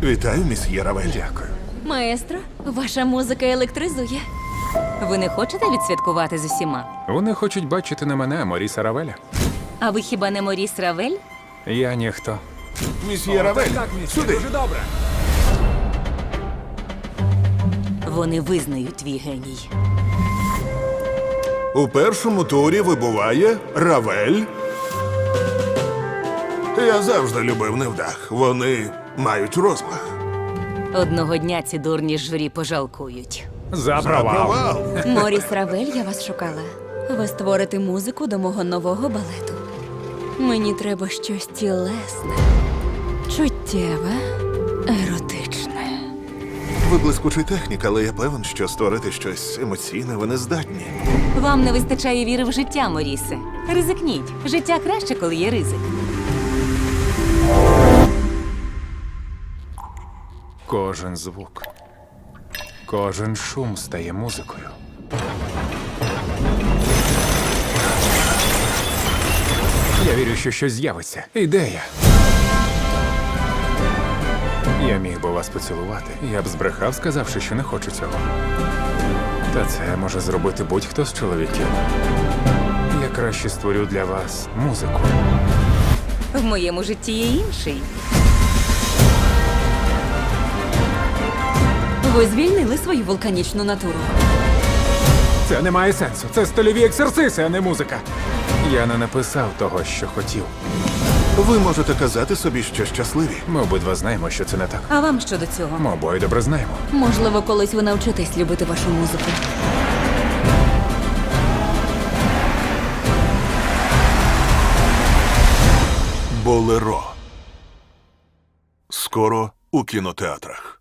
Вітаю, місьє Равель. Дякую. Маестро, ваша музика електризує. Ви не хочете відсвяткувати з усіма? Вони хочуть бачити не мене, а Моріса Равеля. А ви хіба не Моріс Равель? Я ніхто. Місьє Равель, сюди. добре. Вони визнають твій геній. У першому турі вибуває Равель. Я завжди любив невдах. Вони мають розмах. Одного дня ці дурні журі пожалкують. За провал. Моріс Равель, я вас шукала. Ви створите музику до мого нового балету. Мені треба щось тілесне, чуттєве, еротичне. Ви блискучий технік, але я певен, що створити щось емоційне ви не здатні. Вам не вистачає віри в життя, Морісе. Ризикніть. Життя краще, коли є ризик. Кожен звук, кожен шум стає музикою. Я вірю, що щось з'явиться. Ідея. Я міг би вас поцілувати. Я б збрехав, сказавши, що не хочу цього. Та це може зробити будь-хто з чоловіків. Я краще створю для вас музику. В моєму житті є інший. Ви звільнили свою вулканічну натуру. Це не має сенсу. Це стильові ексерциси, а не музика. Я не написав того, що хотів. Ви можете казати собі, що щасливі. Ми обидва знаємо, що це не так. А вам що до цього? Ми обоє добре знаємо. Можливо, колись ви навчитесь любити вашу музику. Болеро. Скоро у кінотеатрах.